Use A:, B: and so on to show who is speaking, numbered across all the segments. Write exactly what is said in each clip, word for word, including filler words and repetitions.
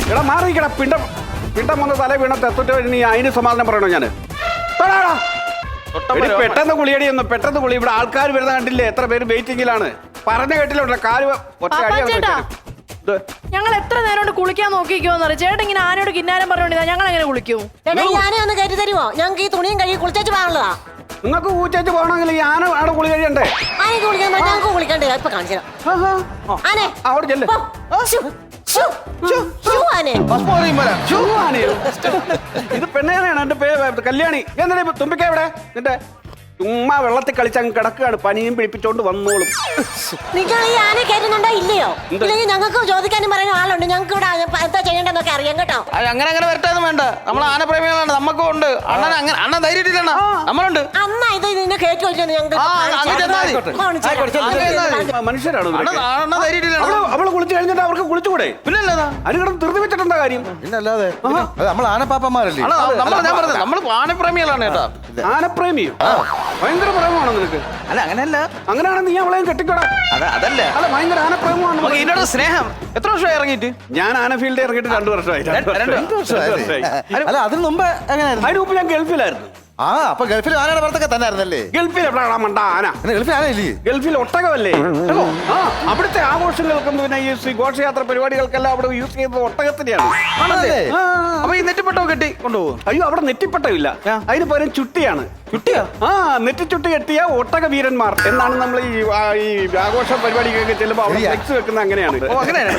A: എടാ മാറിക്കടാ പിണ്ടം പിണ്ടം വന്ന തല വീണ തെത്തുറ്റ നീ അതിന് സമാധാനം പറയണോ ഞാന് പെട്ടെന്ന് കുളിയടി ഒന്ന് പെട്ടെന്ന് കുളി. ഇവിടെ ആൾക്കാർ വരുന്ന കണ്ടില്ലേ, എത്ര പേര് വെയിറ്റിംഗിലാണ്. പറഞ്ഞ കേട്ടില്ല കാല് ഒറ്റ അടി.
B: ഞങ്ങൾ എത്ര നേരം കൊണ്ട് കുളിക്കാൻ നോക്കിക്കോന്ന് ചേട്ടൻ ഇങ്ങനെ ആനയോട് കിന്നാരം പറഞ്ഞോണ്ടിരുന്ന ഞങ്ങൾ എങ്ങനെ കുളിക്കും?
C: ഞാനേ ഒന്ന് കയറ്റി തരുമോ? ഞങ്ങൾക്ക് ഈ തുണിയും കഴുകി കുളിച്ചു പോകാനുള്ളതാ.
A: നിങ്ങൾക്ക് ഊച്ചേച്ച് പോകണമെങ്കിൽ ഈ ആന ആടെ കുളി കഴിയണ്ടേ?
C: ആനക്ക് കുളിക്കാൻ ഞങ്ങൾക്ക് കുളിക്കണ്ടേ? ഇപ്പൊ കാണിച്ചു ആനെ
A: അവിടെ ചെല്ലേ. ഇത് പെണ്ണേനാണ് എന്റെ പേര് കല്യാണി. എന്താ തുമ്പിക്ക എവിടെ നിന്റെ? ചുമ്മാ വെള്ളത്തിൽ കളിച്ചങ്ങ് കിടക്കുകയാണ്. പനിയും പിടിപ്പിച്ചോണ്ട് വന്നോളും.
C: നിങ്ങൾ ഈ ആന കയറ്റുന്നുണ്ടോ ഇല്ലയോ? ഇല്ലെങ്കിൽ ഞങ്ങൾക്ക് ചോദിക്കാനും പറയാനും ആളുണ്ട്. ഞങ്ങൾക്ക് ഇവിടെ എന്താ ചെയ്യേണ്ടെന്നൊക്കെ അറിയാം കേട്ടോ.
D: അങ്ങനെ അങ്ങനെ വരട്ടൊന്നും വേണ്ട. നമ്മൾ ആനപ്രേമികളാണ്, നമുക്കും ഉണ്ട്. അണ്ണൻ അങ്ങനെ അണ്ണൻ ധൈര്യത്തിലാണ്, നമ്മളുണ്ട്.
C: അന്നാ ഇത് നിന്നെ കയറ്റി വെച്ചാൽ ഞങ്ങൾക്ക്
A: മനുഷ്യരാണ്.
D: അവള്
A: കുളിച്ചു കഴിഞ്ഞിട്ട് അവർക്ക് കുളിച്ചുകൂടെ?
D: പിന്നല്ലാതെ
A: അതിന് കിടന്ന് ധൃതി വെച്ചിട്ടെന്താ കാര്യം?
E: പിന്നല്ലാതെ നമ്മൾ ആനപ്പാപ്പന്മാരല്ലേ?
D: ഞാൻ പറഞ്ഞത് നമ്മൾ ആനപ്രേമികളാണ് കേട്ടോ.
A: ആനപ്രേമിയോ? ഭയങ്കര പ്രേമമാണോ നിനക്ക്?
D: അല്ല അങ്ങനെയല്ല.
A: അങ്ങനെയാണെന്ന് നീ അവളെയും കെട്ടിക്കോടാ.
D: അതല്ല
A: അല്ല ഭയങ്കര ആനപ്രേമമാണ്
D: ഇതിനോട് സ്നേഹം. എത്ര വർഷമായി ഇറങ്ങിയിട്ട്?
A: ഞാൻ ആന ഫീൽഡ് ഇറങ്ങിയിട്ട് രണ്ടു വർഷമായി.
E: അല്ല അതിന് മുമ്പ് എങ്ങനെയായിരുന്നു?
A: അതിന് മുമ്പ് ഞാൻ ഗൾഫിലായിരുന്നു.
E: ആ അപ്പൊ ഗൾഫിൽ ആനയുടെ പുറത്തൊക്കെ തന്നെ ആയിരുന്നല്ലേ?
A: ഗൾഫിൽ എവിടെയാ മണ്ട ആന?
E: ഗൾഫിൽ ആനയില്ലേ?
A: ഗൾഫിൽ ഒട്ടകമല്ലേ? ആ അവിടുത്തെ ആഘോഷങ്ങൾക്കും പിന്നെ ഈ ഘോഷയാത്ര പരിപാടികൾക്കെല്ലാം അവിടെ യൂസ് ചെയ്യുന്നത് ഒട്ടകത്തിനെയാണ്.
D: അപ്പൊ ഈ നെറ്റിപ്പട്ടോ കെട്ടി കൊണ്ടുപോകും?
A: അയ്യോ അവിടെ നെറ്റിപ്പട്ടമില്ല, അതിന് പകരം ചുട്ടിയാണ്.
D: ചുട്ടിയാ?
A: ആ നെറ്റിച്ചുട്ടി കെട്ടിയ ഒട്ടക വീരന്മാർ എന്നാണ് നമ്മൾ ഈ ഈ ആഘോഷ പരിപാടിക്കൊക്കെ ചെല്ലുമ്പോൾ അവിടെ ഫ്ലെക്സ് വെക്കുന്നത് അങ്ങനെയാണ്.
D: ഓ അങ്ങനെയാണ്.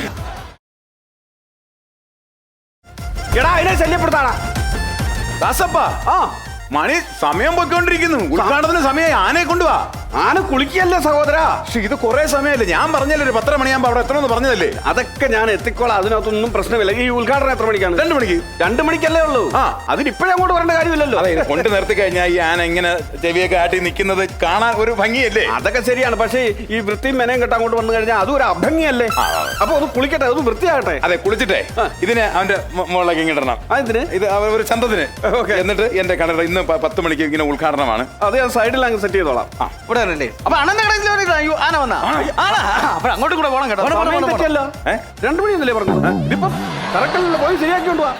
A: എടാ അതിനെ ശല്യപ്പെടുത്താടാ
F: ദാസപ്പ. ആ മണി സമയം പോയിക്കൊണ്ടിരിക്കുന്നു. ഉദ്ഘാടനത്തിന് സമയമായി. ആനയെ കൊണ്ടുവാ.
A: ആന കുളിക്കല്ലേ സഹോദരാ?
F: പക്ഷെ ഇത് കുറെ സമയമല്ലേ? ഞാൻ പറഞ്ഞല്ലേ ഒരു പത്തര മണിയാകുമ്പോ അവിടെ എത്തണമെന്ന് പറഞ്ഞതല്ലേ?
A: അതൊക്കെ ഞാൻ എത്തിക്കോളാം, അതിനകത്തൊന്നും പ്രശ്നമില്ല. ഈ ഉദ്ഘാടനം എത്ര മണിക്കാണ്?
F: രണ്ടു മണിക്ക്.
A: രണ്ടു മണിക്കല്ലേ ഉള്ളൂ.
F: ആ
A: അതിന് ഇപ്പോഴും അങ്ങോട്ട് വരേണ്ട കാര്യമില്ലല്ലോ.
F: അതെ, കൊണ്ട് നിർത്തി കഴിഞ്ഞാൽ ഈ ആന ഇങ്ങനെ ചെവിയൊക്കെ ആട്ടി നിൽക്കുന്നത് കാണാൻ ഒരു ഭംഗിയല്ലേ?
A: അതൊക്കെ ശരിയാണ്. പക്ഷേ ഈ വൃത്തിയും മെനയും കെട്ട് അങ്ങോട്ട് വന്നു കഴിഞ്ഞാൽ അതും ഒരു അഭംഗിയല്ലേ? അപ്പൊ അത് കുളിക്കട്ടെ, അത് വൃത്തിയാകട്ടെ.
F: അതെ, കുളിച്ചിട്ടേ ഇതിനെ അവന്റെ മുകളിലേക്ക് ഇങ്ങിടണം.
A: അതിന്
F: ഇത് ഒരു ചന്തത്തിന്. എന്നിട്ട് എന്റെ കടയുടെ ഇന്ന് പത്ത് മണിക്ക് ഇങ്ങനെ ഉദ്ഘാടനമാണ്.
A: അത് ഞാൻ സൈഡിൽ അങ്ങ് സെറ്റ് ചെയ്തോളാം.
D: ആ ഇവിടെ വരല്ലേ? അപ്പൊ അണ്ണന്റെ കടയിൽ അയ്യോ ആന വന്നാ അപ്പൊ അങ്ങോട്ടും കൂടെ പോകണം കേട്ടോ.
A: രണ്ടു മണിയൊന്നല്ലേ പറഞ്ഞു? ഇതിപ്പം കറക്റ്റല്ലോ, പോയി ശരിയാക്കി കൊണ്ടുപോവാ.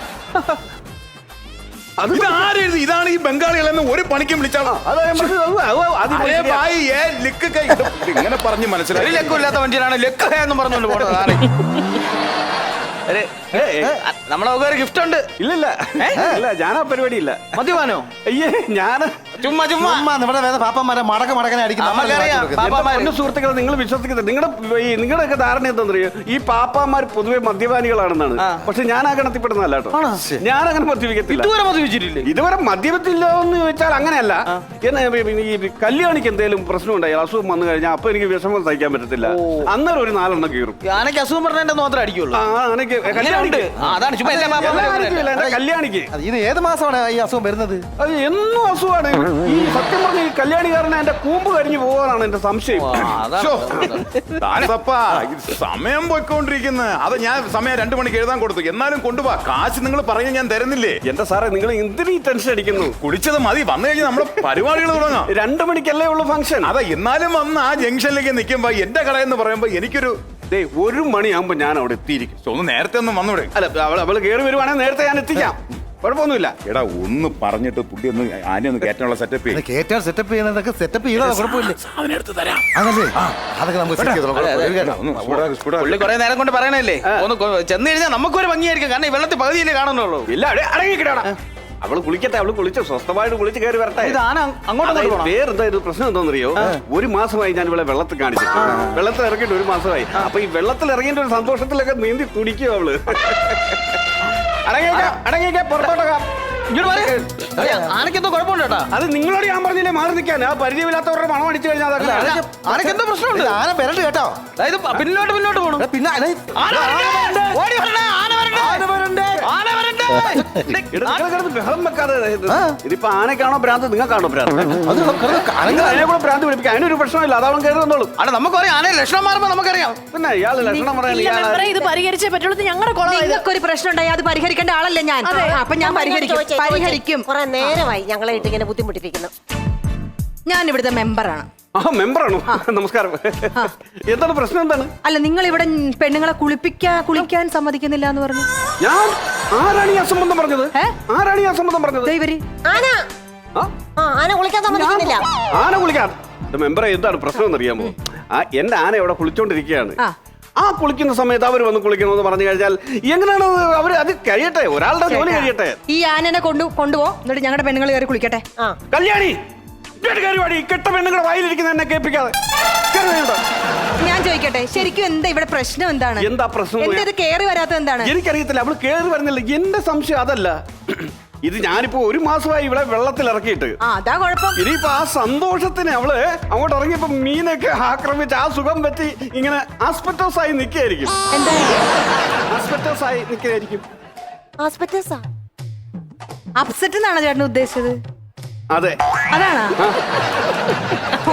F: ഇത് ആരെഴുതി? ഇതാണ് ഈ ബംഗാളികളെന്ന് ഒരു പണിക്കും വിളിച്ചാണോ? ഇങ്ങനെ പറഞ്ഞ് മനസ്സിലായി.
D: ലക്കില്ലാത്ത വണ്ടിയിലാണ് ലക്ക് എന്ന് പറഞ്ഞുകൊണ്ട് പോണത്. നമ്മളെ ഒരു ഗിഫ്റ്റ് ഉണ്ട്.
A: ഇല്ലില്ല ഇല്ല, ഞാനാ പരിപാടി ഇല്ല.
D: മദ്യപാനോ?
A: അയ്യേ ഞാൻ
D: ചുമ്മാ ചുമ്മാ
E: നമ്മുടെ മടക്ക മടക്കനെ
A: അടിക്കുന്ന സുഹൃത്തുക്കളെ നിങ്ങൾ വിശ്വസിക്കുന്നത്. നിങ്ങളുടെ നിങ്ങളുടെയൊക്കെ ധാരണ എന്താണെന്നറിയോ? ഈ പാപ്പാമാർ പൊതുവെ മദ്യപാനികളാണെന്നാണ്. പക്ഷെ ഞാൻ ആ ഗണത്തിൽപ്പെടുന്നതല്ല കേട്ടോ. ഞാൻ അങ്ങനെ മദ്യപിക്കത്തില്ല.
D: ഇതുവരെ മദ്യപിച്ചിട്ടില്ലേ?
A: ഇതുവരെ മദ്യപത്തില്ല എന്ന് ചോദിച്ചാൽ അങ്ങനെയല്ല. ഈ കല്യാണിക്ക് എന്തെങ്കിലും പ്രശ്നം ഉണ്ടായി, അസുഖം വന്നു കഴിഞ്ഞാൽ അപ്പൊ എനിക്ക് വിഷമം സഹിക്കാൻ പറ്റത്തില്ല. അന്നേരം ഒരു നാലെണ്ണം കീറും.
D: ആനക്ക് അസുഖം പറഞ്ഞ മാത്രമേ അടിക്കുള്ളൂ. അതാണ്
A: കല്യാണിക്ക്.
E: ഇത് ഏത് മാസമാണ് ഈ അസുഖം വരുന്നത്?
A: അത് എന്നും അസുഖമാണ്. ഈ സത്യം പറഞ്ഞ ഈ കല്യാണിക്കാരനെ എന്റെ കൂമ്പ് കരിഞ്ഞു പോകാനാണ് എന്റെ സംശയം.
F: സമയം പോയിക്കൊണ്ടിരിക്കുന്ന അത് ഞാൻ സമയം രണ്ടു മണിക്ക് എഴുതാൻ കൊടുത്തു. എന്നാലും കൊണ്ടുപോവാ. കാശ് നിങ്ങൾ പറഞ്ഞ് ഞാൻ തരുന്നില്ലേ?
A: എന്റെ സാറേ നിങ്ങൾ എന്തിനീ ടെൻഷൻ അടിക്കുന്നു?
F: കുടിച്ചത് മതി. വന്നു കഴിഞ്ഞാൽ നമ്മളെ പരിപാടികൾ തുടങ്ങാം.
A: രണ്ടു മണിക്കല്ലേ ഉള്ളു ഫംഗ്ഷൻ.
F: അതെ, എന്നാലും വന്ന് ആ ജംഗ്ഷനിലേക്ക് നിൽക്കുമ്പോ എന്റെ കട എന്ന് പറയുമ്പോ എനിക്കൊരു
A: ഒരു മണിയാകുമ്പോ ഞാൻ അവിടെ എത്തിയിരിക്കും.
F: ഒന്ന് നേരത്തെ ഒന്നും വന്നൂടെ?
A: അല്ല അവള് അവള് കയറി വരുവാണെങ്കിൽ നേരത്തെ ഞാൻ എത്തിക്കാം. കുഴപ്പമൊന്നുമില്ല.
F: എടാ ഒന്ന് പറഞ്ഞിട്ട് പുള്ളി ഒന്ന് ആന ഒന്ന് കയറ്റാനുള്ള സെറ്റപ്പ്
E: കേറ്റാൻ സെറ്റപ്പ് ചെയ്യുന്നതൊക്കെ സെറ്റപ്പ് ചെയ്താ കുഴപ്പമില്ല. അതൊക്കെ
D: പുള്ളി കുറെ നേരം കൊണ്ട് പറയണല്ലേ. ഒന്ന് ചെന്ന് കഴിഞ്ഞാൽ നമുക്കൊരു ഭംഗിയായിരിക്കും. കാരണം ഈ വെള്ളത്തിൽ പകുതിയിലേ കാണുന്നുള്ളൂ.
A: ഇല്ല അടങ്ങിക്കിടാ. അവള് കുളിക്കട്ടെ, അവള് കുളിച്ച് സ്വസ്ഥമായിട്ട് കുളിച്ച് കയറി വരട്ടെ. വേറെന്താ ഇത് പ്രശ്നം എന്താണെന്നറിയോ? ഒരു മാസമായി ഞാൻ ഇവിടെ വെള്ളത്തിൽ കാണിച്ചു. വെള്ളത്തിൽ ഇറങ്ങിയിട്ട് ഒരു മാസമായി. അപ്പൊ ഈ വെള്ളത്തിൽ ഇറങ്ങിയിട്ട് ഒരു സന്തോഷത്തിലൊക്കെ നീന്തി തുടിക്കും അവള്. അടങ്ങിയേക്കാം അടങ്ങിയേക്കാം പുറത്തോട്ടേക്കാം.
D: ആനക്കെന്തോ കുഴപ്പമുണ്ട് കേട്ടാ.
A: അത് നിങ്ങളോട് ഞാൻ പറഞ്ഞില്ലേ മാറി നിൽക്കാൻ. ആ പരിചയമില്ലാത്തവരുടെ മണം അടിച്ചു കഴിഞ്ഞാൽ
D: ആനക്കെന്തോ പ്രശ്നമുണ്ട്.
E: ആന വരണ്ട് കേട്ടോ.
D: അതായത് പിന്നോട്ട് പിന്നോട്ട് പോകണം.
E: പിന്നെ
A: ബഹളം വെക്കാതെ. ഇതിപ്പോ ആനക്കാണോ ഭ്രാന്ത്, നിങ്ങൾക്കാണോ ഭ്രാന്ത്? അതിനെ കൂടെ ഭ്രാന്ത് പിടിപ്പിക്കാം. അതിനൊരു പ്രശ്നമില്ല. അതവൻ കരുതുന്നുള്ളൂ.
D: അല്ല നമുക്കറിയാം ആന ലക്ഷണം മാറുമ്പോ നമുക്കറിയാം.
A: പിന്നെ ഇയാള് ലക്ഷണം പറയാൻ
B: ഇത് പരിഹരിച്ചേ പറ്റുള്ളൂ. ഞങ്ങളുടെ
C: ഒരു പ്രശ്നം ഉണ്ടായി, അത് പരിഹരിക്കേണ്ട ആളല്ലേ ഞാൻ. അപ്പൊ ഞാൻ പരിഹരിക്കും പരിഹരിക്കും കുറെ നേരമായി ഞങ്ങളെ ഇട്ട് ഇങ്ങനെ ബുദ്ധിമുട്ടിപ്പിക്കുന്നു.
G: ഞാൻ ഇവിടുത്തെ മെമ്പറാണ്.
A: ആ മെമ്പറാണോ? നമസ്കാരം. എന്താണ് പ്രശ്നം? എന്താണ്?
G: അല്ല, നിങ്ങൾ ഇവിടെ പെണ്ണുങ്ങളെ കുളിപ്പിക്കാൻ കുളിക്കാൻ സമ്മതിക്കുന്നില്ല എന്ന് പറഞ്ഞു.
A: ഞാൻ ആരാണ് ഈ അസംബന്ധം പറഞ്ഞത്? ആരാണ് ഈ അസംബന്ധം പറഞ്ഞത്?
G: ദൈവരി
C: ആന
A: ആ?
C: ആ ആന കുളിക്കാൻ സമ്മതിക്കുന്നില്ല.
A: ആന കുളിക്കാൻ? മെമ്പറെ, എന്താണ് പ്രശ്നം എന്നറിയാമോ? ആ എന്റെ ആന ഇവിടെ കുളിച്ചോണ്ടിരിക്കുകയാണ്. ആ കുളിക്കുന്ന സമയത്ത് അവർ വന്ന് കുളിക്കണമെന്ന് പറഞ്ഞു കഴിഞ്ഞാൽ എങ്ങനെയാണ് അവര്? അത് കഴിയട്ടെ, ഒരാളുടെ ജോലി കഴിയട്ടെ.
G: ഈ ആനനെ കൊണ്ടു കൊണ്ടുപോ, എന്നിട്ട് ഞങ്ങളുടെ പെണ്ണുങ്ങൾ കയറി കുളിക്കട്ടെ.
A: കല്യാണി, കെട്ട പെണ്ണുങ്ങളുടെ വായിലിരിക്കുന്ന എന്നെ കേൾപ്പിക്കാതെ.
G: ഞാൻ ചോദിക്കട്ടെ, ശരിക്കും എന്താ ഇവിടെ പ്രശ്നം? എന്താണ്
A: എന്താ പ്രശ്നം?
G: എന്താ ഇത് കേറി വരാത്ത? എന്താണ്?
A: എനിക്കറിയത്തില്ല. അവള് കേറി വരുന്നില്ല. എന്റെ സംശയം അതല്ല. ഇത് ഞാനിപ്പോ ഒരു മാസമായി ഇവിടെ വെള്ളത്തിൽ ഇറക്കിയിട്ട്.
G: അതാ കുഴപ്പം.
A: ഇനിയിപ്പോ ആ സന്തോഷത്തിന് അവള് അങ്ങോട്ട് ഇറങ്ങിയപ്പോ മീനൊക്കെ ആക്രമിച്ച് ആ സുഖം പറ്റി ഇങ്ങനെ ആസ്പെറ്റോസ് ആയി നിൽക്കുകയായിരിക്കും. ആസ്പെറ്റോസ് ആയി നിൽക്കുകയായിരിക്കും.
G: അപ്സെറ്റ് എന്നാണോ ചേട്ടൻ ഉദ്ദേശിച്ചത്?
A: അതെ,
G: അതാണോ? ഓ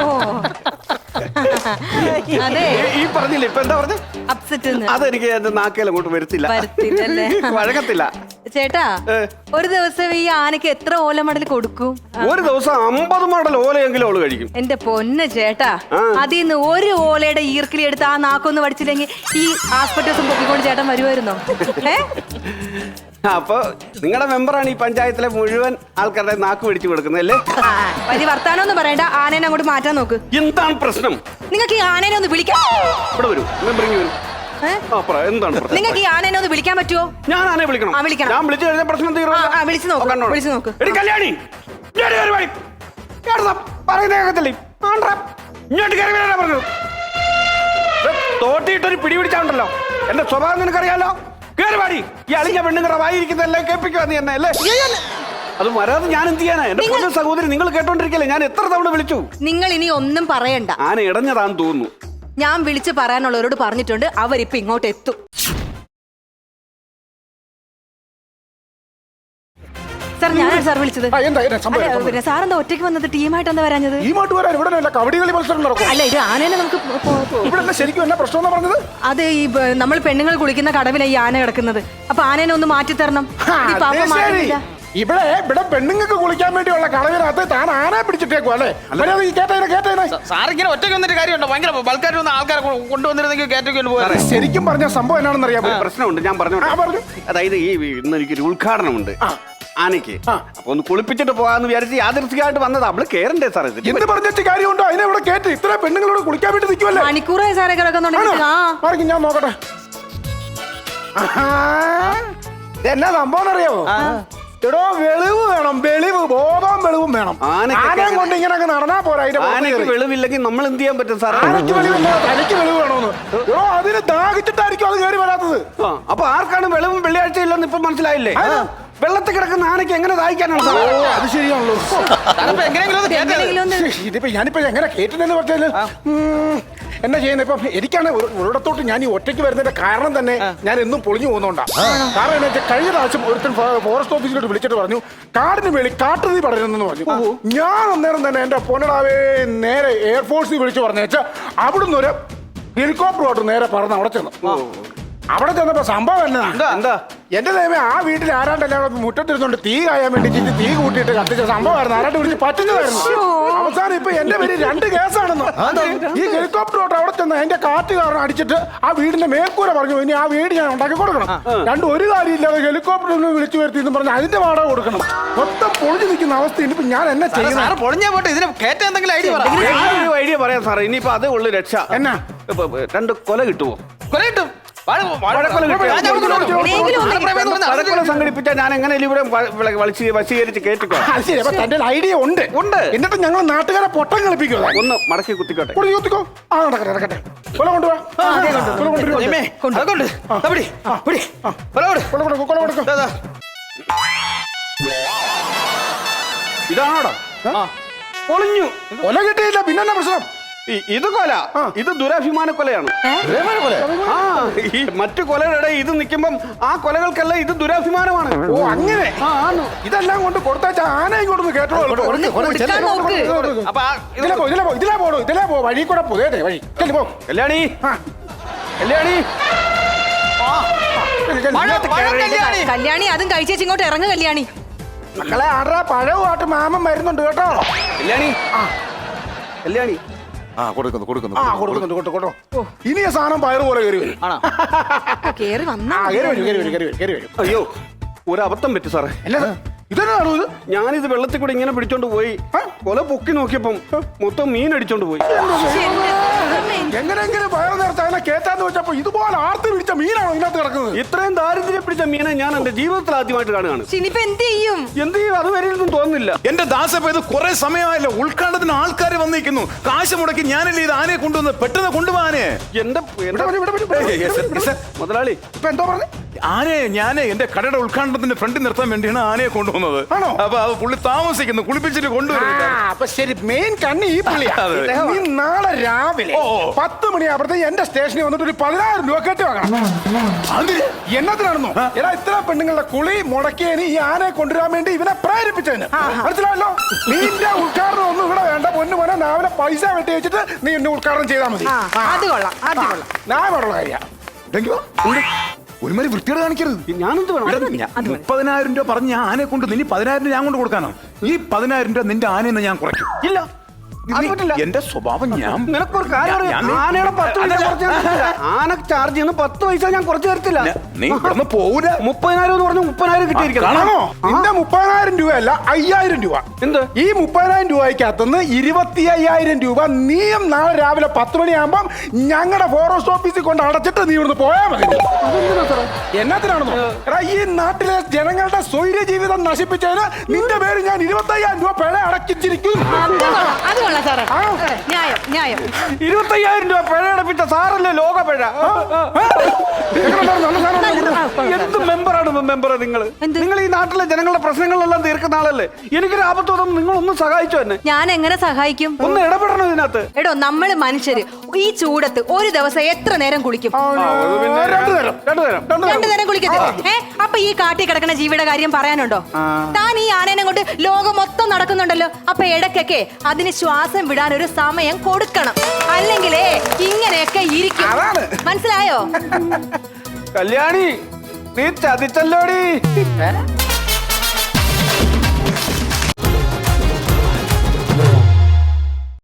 G: അതെ,
A: ഈ പറഞ്ഞില്ല. ഇപ്പൊ എന്താ പറഞ്ഞ?
G: അപ്സെറ്റ്.
A: അതെനിക്ക് എന്റെ നാക്കേൽ അങ്ങോട്ട് വരുത്തില്ല, വഴക്കത്തില്ല.
G: ചേട്ടാ, ഒരു ദിവസം ഈ ആനക്ക് എത്ര ഓല മടൽ കൊടുക്കും?
A: ഒരു ദിവസം അമ്പത് മടൽ ഓലയെങ്കിലും അവള് കഴിക്കും.
G: എന്റെ പൊന്ന് ചേട്ടാ, അതിൽ നിന്ന് ഒരു ഓലയുടെ ഈർക്കിലി എടുത്ത് ആ നാക്കൊന്ന് പഠിച്ചില്ലെങ്കിൽ ഈ ആസ്പെറ്റോസും പൊക്കിക്കൊണ്ട് ചേട്ടൻ വരുമായിരുന്നോ? ഏ
A: അപ്പൊ നിങ്ങളുടെ മെമ്പറാണ് ഈ പഞ്ചായത്തിലെ മുഴുവൻ ആൾക്കാരുടെ നാക്ക് പിടിച്ചു കൊടുക്കുന്നല്ലേ?
G: വലിയ വർത്താനൊന്നും പറയണ്ട, ആനേനെ അങ്ങോട്ട് മാറ്റാൻ നോക്ക്.
A: എന്താണ് പ്രശ്നം?
G: നിങ്ങൾക്ക് ഈ ആനേനെ ഒന്ന് വിളിക്കാം.
A: ഇവിടെ വരൂ, മെമ്പറിങ് വരൂ. എന്താണ് പ്രശ്നം?
G: നിങ്ങൾക്ക് ഈ ആനേനെ ഒന്ന് വിളിക്കാൻ പറ്റുമോ?
A: ഞാൻ ആനയെ വിളിക്കണം.
G: വിളിക്കണം.
A: ഞാൻ വിളിച്ചു കഴിഞ്ഞാൽ പ്രശ്നം തീർന്നു.
G: വിളിച്ചു നോക്ക്, വിളിച്ചു നോക്ക്.
A: കല്യാണി, തോട്ടിയിട്ടൊരു പിടി പിടിച്ചാണ്ടല്ലോ. എന്റെ സ്വഭാവം നിനക്കറിയാലോ. കേറി പാടി. ഈ അളിഞ്ഞ പെണ്ണുങ്ങളുടെ വായിരിക്കുന്നല്ലേ കേൾപ്പിക്കുക നീ എന്നെ അല്ലേ? അത് വരാതെ ഞാൻ എന്ത് ചെയ്യാനാ? എന്റെ പൊന്നു സഹോദരി, നിങ്ങൾ കേട്ടോണ്ടിരിക്കല്ലേ? ഞാൻ എത്ര തവണ വിളിച്ചു.
G: നിങ്ങൾ ഇനി ഒന്നും പറയണ്ട.
A: ആന ഇടഞ്ഞതാന്ന് തോന്നുന്നു.
G: ഞാൻ വിളിച്ച് പറയാനുള്ളവരോട് പറഞ്ഞിട്ടുണ്ട്, അവരിപ്പൊ ഇങ്ങോട്ട് എത്തും. സാർ, ഞാനാണ് സാർ വിളിച്ചത്. പിന്നെ സാർ എന്താ ഒറ്റയ്ക്ക് വന്നത്? ടീമായിട്ട് എന്താ വരാഞ്ഞത്? അല്ല, ഇത് ആനേനെ നമുക്ക് അത് ഈ നമ്മൾ പെണ്ണുങ്ങൾ കുളിക്കുന്ന കടവിലെ ഈ ആന കിടക്കുന്നത്. അപ്പൊ ആനേനെ ഒന്ന് മാറ്റി തരണം.
H: ഇവിടെ ഇവിടെ പെണ്ണുങ്ങൾക്ക് കുളിക്കാൻ വേണ്ടിയുള്ള കളവിനകത്ത് താൻ ആനെ പിടിച്ചിട്ടേക്കും അല്ലേ?
D: സാറിങ്ങനെ ഒറ്റയ്ക്ക് വന്നിട്ട് കാര്യമുണ്ടോ? ഭയങ്കര ബൾക്കായിട്ട് വന്ന ആൾക്കാരെ കൊണ്ടുവന്നിരുന്നെങ്കിൽ കേറ്റൊക്കെ പോകാറ്.
H: ശരിക്കും പറഞ്ഞ സംഭവം എന്നാണെന്ന് അറിയാം.
A: പ്രശ്നമുണ്ട്, ഞാൻ പറഞ്ഞു. അതായത് ഈ ഇന്ന് എനിക്കൊരു ഉദ്ഘാടനമുണ്ട് ആനയ്ക്ക്. അപ്പൊ ഒന്ന് കുളിപ്പിച്ചിട്ട് പോകാന്ന് വിചാരിച്ച് യാദൃശ്ചികമായിട്ട് വന്നത്. അവള് കേറണ്ടേ സാർ? ഇത്
H: എന്ത് പറഞ്ഞിട്ട് കാര്യമുണ്ടോ? അതിനെ ഇവിടെ കേട്ട് ഇത്ര പെണ്ണുങ്ങളോട് കുളിക്കാൻ വേണ്ടി നിൽക്കുമല്ലേ?
G: മണിക്കൂറായി സാറേ കിടക്കുന്നുണ്ടെങ്കിൽ.
H: ഞാൻ നോക്കട്ടെ. എന്നാ സംഭവം അറിയാമോ? എടോ, വെളിവ് വേണം, വെളിവ്, ബോധവും വെളിവും വേണം. ആനയെ കൊണ്ട് ഇങ്ങനെ നടന്നാ പോരാ.
A: ആനയ്ക്ക് വെളിവില്ലെങ്കിൽ നമ്മൾ എന്ത് ചെയ്യാൻ പറ്റും സാർ?
H: ആനയ്ക്ക് വെളിവില്ല, തനിക്ക് വെളിവ് വേണമെന്ന്. എടോ, അതിന് ദാഹിച്ചിട്ടായിരിക്കും അത് കയറി വരാത്തത്.
A: അപ്പൊ ആർക്കാണ് വെളിവും വെള്ളിയാഴ്ച ഇല്ലെന്ന് ഇപ്പൊ മനസ്സിലായില്ലേ? വെള്ളത്തിൽ കിടക്കുന്ന ആനയ്ക്ക് എങ്ങനെ ദാഹിക്കാനാണ്?
H: അത് ശരിയാണല്ലോ. ഇതിപ്പോ ഞാനിപ്പോ എങ്ങനെ കേട്ടിട്ടെന്ന് പറഞ്ഞാല് എന്നാ ചെയ്യുന്നത്? ഇപ്പം എനിക്കാണ് ഒരിടത്തോട്ട് ഞാൻ ഈ ഒറ്റയ്ക്ക് വരുന്നതിന്റെ കാരണം തന്നെ ഞാൻ എന്നും പൊളിഞ്ഞു പോകുന്നോണ്ടാ. കാരണം എന്താ വെച്ചാൽ കഴിഞ്ഞ പ്രാവശ്യം ഒരുത്തൻ ഫോറസ്റ്റ് ഓഫീസിലോട്ട് വിളിച്ചിട്ട് പറഞ്ഞു കാടിന് വേളി കാട്ടുതീ പടരുന്നെന്ന് പറഞ്ഞു. ഞാൻ അന്നേരം തന്നെ എന്റെ പൊന്നടാവേ നേരെ എയർഫോഴ്സിൽ വിളിച്ചു പറഞ്ഞു വെച്ചാൽ അവിടുന്ന് ഒരു ഹെലികോപ്റ്ററോട്ട് നേരെ പറന്ന് അവിടെ ചെന്നു. അവിടെ ചെന്നപ്പോ സംഭവം എന്നാ എന്താ എന്റെ ദൈവമേ, ആ വീട്ടിൽ ആരാണ്ടെല്ലാം മുറ്റത്തിരുന്നോണ്ട് തീ കായാൻ വേണ്ടി തീ കൂട്ടിയിട്ട് കത്തിച്ച സംഭവമായിരുന്നു. ആരാണ്ട് വിളിച്ച് പറ്റുന്നതായിരുന്നു. അവസാനം ഇപ്പൊ എന്റെ പേര് രണ്ട് കേസാണെന്ന്. ഈ ഹെലികോപ്റ്ററോട്ട് അവിടെ ചെന്ന് അതിന്റെ കാറ്റ് കാരണം അടിച്ചിട്ട് ആ വീടിന്റെ മേൽക്കൂര പറഞ്ഞു ഇനി ആ വീട് ഞാൻ ഉണ്ടാക്കി കൊടുക്കണം. രണ്ടും ഒരു കാര്യമില്ലാതെ ഹെലികോപ്റ്ററിൽ വിളിച്ചു വരുത്തി എന്ന് പറഞ്ഞ് അതിന്റെ വാടക കൊടുക്കണം. മൊത്തം പൊളിഞ്ഞു നിൽക്കുന്ന അവസ്ഥ. ഇനിയിപ്പോ ഞാൻ എന്നെ ചെയ്യുന്നത്
D: പൊളിഞ്ഞാ പോട്ടെ, ഇതിന് കേറ്റ എന്തെങ്കിലും ഐഡിയ
A: ഐഡിയ പറയാം സാറേ. ഇനിയിപ്പോ അതേ ഉള്ളു രക്ഷ.
H: എന്നാ
A: രണ്ട് കൊല കിട്ടുമോ?
D: കൊല കിട്ടും.
A: സംഘടിപ്പിച്ചാൽ ഞാൻ എങ്ങനെ ഇവിടെ വശീകരിച്ച് കേട്ടിക്കോ?
H: തന്റെ ഐഡിയ ഉണ്ട് ഉണ്ട് എന്നിട്ട് ഞങ്ങൾ നാട്ടുകാരെ പൊട്ടം കളിപ്പിക്കുക.
A: ഒന്ന് മടക്കി കുത്തിക്കോട്ടെ.
H: കുത്തിക്കോ. ആ നടക്കട്ടെ നടക്കട്ടെ. കൊല കൊണ്ടുപോവാ.
A: ഇതാണോടാ പൊളിഞ്ഞു.
H: കൊല കിട്ടിയില്ല, പിന്നെ പ്രശ്നം.
A: ഇത് കൊല, ഇത് ദുരഭിമാന കൊലയാണ്. ആ, ഈ മറ്റു കൊലകളുടെ ഇത് നിൽക്കുമ്പം ആ കൊലകൾക്കല്ല, ഇത് ദുരഭിമാനമാണ്.
H: ഓ അങ്ങനെ. ഇതെല്ലാം കൊണ്ട് കൊടുത്താച്ച ആന ഇങ്ങോട്ട് കേട്ടോ. ഇതിലെ പോ ഇതിലെ പോ ഇതിലെ പോടോ ഇതിലെ പോ വഴി കൂടെ പോതേ വഴി പോ.
A: കല്യാണി, കല്യാണി,
G: കല്യാണി അതും കഴിച്ചേച്ച് ഇങ്ങോട്ട് ഇറങ്ങു. കല്യാണി
H: മക്കളെ ആടാ പഴവുമായിട്ട് മാമൻ വരുന്നുണ്ട് കേട്ടോ.
A: കല്യാണി കല്യാണി
E: ആ കൊടുക്കുന്നു കൊടുക്കുന്നു
H: ആ കൊടുക്കുന്നുണ്ട് കൊടുത്തു കേട്ടോ. ഇനി ആ സാധനം പയറ് പോലെ കയറി വരും.
A: ആണോ?
G: കേറി വന്നാ
H: ആ കയറി വരും കയറി വരും കയറി വരും കയറി വരും.
A: അയ്യോ ഒരു അബദ്ധം പറ്റി സാറേ.
H: അല്ല ഇതെന്നാണോ ഇത്?
A: ഞാനിത് വെള്ളത്തിൽ കൂടെ ഇങ്ങനെ പിടിച്ചോണ്ട് പോയി കൊല പൊക്കി നോക്കിയപ്പം മൊത്തം മീൻ അടിച്ചോണ്ട് പോയി.
H: എങ്ങനെയെങ്കിലും പയറ് നേരത്തെ അതിനെ കേറ്റാന്ന് വെച്ചപ്പോ ഇതുപോലെ ആർത്തി പിടിച്ച മീനാണോ ഇതിനകത്ത് കിടക്കുന്നത്?
A: ഇത്രയും ദാരിദ്ര്യം പിടിച്ച മീനെ ഞാൻ എന്റെ ജീവിതത്തിൽ ആദ്യമായിട്ട് കാണുകയാണ്.
G: ഇനിയിപ്പോ എന്ത് ചെയ്യും?
A: എന്ത് ചെയ്യും അത് വരെയൊന്നും തോന്നുന്നില്ല.
F: എന്റെ ദാസപ്പ ഇത് കുറെ സമയമായല്ലോ, ഉദ്ഘാടനത്തിന് ആൾക്കാർ വന്നിരിക്കുന്നു. കാശ് മുടക്കി ഞാനല്ലേ ഇത് ആനയെ കൊണ്ടുവന്ന് പെട്ടെന്ന് കൊണ്ടുപോകാനേ.
A: എന്റെ
H: ഇവിടെ വരൂ, ഇവിടെ വരൂ, ഇവിടെ വരൂ.
F: ഏയ്, yes, sir, yes, sir.
A: മുതലാളി
H: ഇപ്പൊ എന്തോ പറഞ്ഞു?
F: ആനയെ ഞാൻ എന്റെ കടയുടെ ഉദ്ഘാടനത്തിന്റെ ഫ്രണ്ടിൽ നിർത്താൻ വേണ്ടിയാണ് ആനയെ കൊണ്ടുവന്നത്.
H: ആണോ?
F: അപ്പൊ അത് പുള്ളി താമസിക്കുന്നു, കുളിപ്പിച്ചിട്ട് കൊണ്ടുവരുന്നത്.
H: ആ, അപ്പൊ ശരി, മെയിൻ കണ്ണി ഈ പുള്ളിയാ.
F: അതെ.
H: നീ നാളെ രാവിലെ
F: ഓ.
H: പത്ത് മണിയാകുമ്പോഴത്തേക്ക് എന്റെ സ്റ്റേഷനിൽ വന്നിട്ട് ഒരു പതിനായിരം രൂപ കെട്ടി വാങ്ങണം.
F: അത്
H: എന്നതിനാണെന്നോ എടാ ഇത്ര പെണ്ണുങ്ങളുടെ കുളി മുടക്കിയതിന് ഈ ആനയെ കൊണ്ടുവരാൻ വേണ്ടി ഇവനെ പ്രേരിപ്പിച്ചതിന് മനസ്സിലായല്ലോ. നിന്റെ ഉദ്ഘാടനം ഒന്നും ഇവിടെ വേണ്ട പൊന്നു മോനെ, രാവിലെ പൈസ വെട്ടി വെച്ചിട്ട് നീ എന്നെ ഉദ്ഘാടനം ചെയ്താൽ മതി.
G: ആ, അത് കൊള്ളാം അത് കൊള്ളാം.
H: ഞാൻ പറഞ്ഞ കാര്യ
F: ഒരുമാതിരി വൃത്തിയോട് കാണിക്കരുത്.
A: ഞാനെന്ത് വേണം?
F: ഇവിടെ ഞാൻ മുപ്പതിനായിരം രൂപ പറഞ്ഞ് ഞാൻ ആനയെ കൊണ്ട് നിനി പതിനായിരം രൂപ ഞാൻ കൊണ്ട് കൊടുക്കാനോ? ഈ പതിനായിരം രൂപ നിന്റെ ആനയെന്ന് ഞാൻ കുറയ്ക്കും.
A: ഇല്ല അത്
F: നീ-
A: പറ്റില്ല.
F: എന്റെ സ്വഭാവം ഞാൻ
A: നിനക്കൊരു കാര്യം അറിയോ?
F: ഞാൻ-
A: ആനയുടെ പത്ത് പൈസ കുറച്ച് തരത്തില്ല. ആന ചാർജ് ചെയ്യുന്ന പത്ത് പൈസ ഞാൻ കുറച്ച് തരത്തില്ല.
F: നീ ഇവിടുന്ന് പോകൂല.
A: മുപ്പതിനായിരം എന്ന് പറഞ്ഞ മുപ്പതിനായിരം കിട്ടിയിരിക്കണം.
H: കാണാമോ? നിന്റെ മുപ്പതിനായിരം രൂപയല്ല അയ്യായിരം രൂപ.
A: എന്ത്?
H: ഈ മുപ്പതിനായിരം രൂപയ്ക്കകത്തുനിന്ന് ഇരുപത്തി അയ്യായിരം രൂപ നീയും നാളെ രാവിലെ പത്ത് മണിയാകുമ്പം ഞങ്ങളുടെ ഫോറസ്റ്റ് ഓഫീസിൽ കൊണ്ട് അടച്ചിട്ട് നീ ഇവിടുന്ന് പോയാൽ മതി. എന്നതിനാണെന്നോ എടാ ഈ നാട്ടിലെ ജനങ്ങളുടെ സ്വൈര്യ ജീവിതം നശിപ്പിച്ചതിന് നിന്റെ പേര് ഞാൻ ഇരുപത്തി അയ്യായിരം രൂപ പിഴ അടക്കിച്ചിരിക്കും.
G: അത് കൊള്ളാം അത് കൊള്ളാം സാറേ.
H: ആ.
G: സാറേ, ന്യായം ന്യായം.
A: ഇരുപത്തയ്യായിരം രൂപ പിഴ അടപ്പിച്ച സാറല്ലേ ലോക പിഴ. എന്ത് മെമ്പറാണ് മെമ്പർ നിങ്ങൾ?
G: എന്ത്?
A: നിങ്ങൾ ഈ നാട്ടിലെ ജനങ്ങളുടെ പ്രശ്നങ്ങളെല്ലാം തീർക്കുന്ന ആളല്ലേ. എനിക്കൊരു ആപത്ത് വന്നപ്പോൾ നിങ്ങൾ ഒന്ന് സഹായിച്ചു എന്നെ.
G: ഞാൻ എങ്ങനെ സഹായിക്കും?
A: ഒന്ന് ഇടപെടണം ഇതിനകത്ത്.
G: എടോ നമ്മള് മനുഷ്യര് ഈ ചൂടത്ത് ഒരു ദിവസം എത്ര നേരം കുളിക്കും?
H: രണ്ടുതരം
A: രണ്ടുതരം
G: രണ്ടു നേരം കുളിക്കത്തില്ലേ? ഏ അപ്പൊ ഈ കാട്ടി കിടക്കുന്ന ജീവിയുടെ കാര്യം പറയാനുണ്ടോ? താൻ ഈ ആനേനെ കൊണ്ട് ലോകം മൊത്തം നടക്കുന്നുണ്ടല്ലോ. അപ്പൊ ഇടയ്ക്കൊക്കെ അതിന് ശ്വാസം വിടാൻ ഒരു സമയം കൊടുക്കണം. അല്ലെങ്കിലേ ഇങ്ങനെയൊക്കെ ഇരിക്കും. മനസ്സിലായോ?
A: കല്യാണി നീ ചതിച്ചല്ലോടി.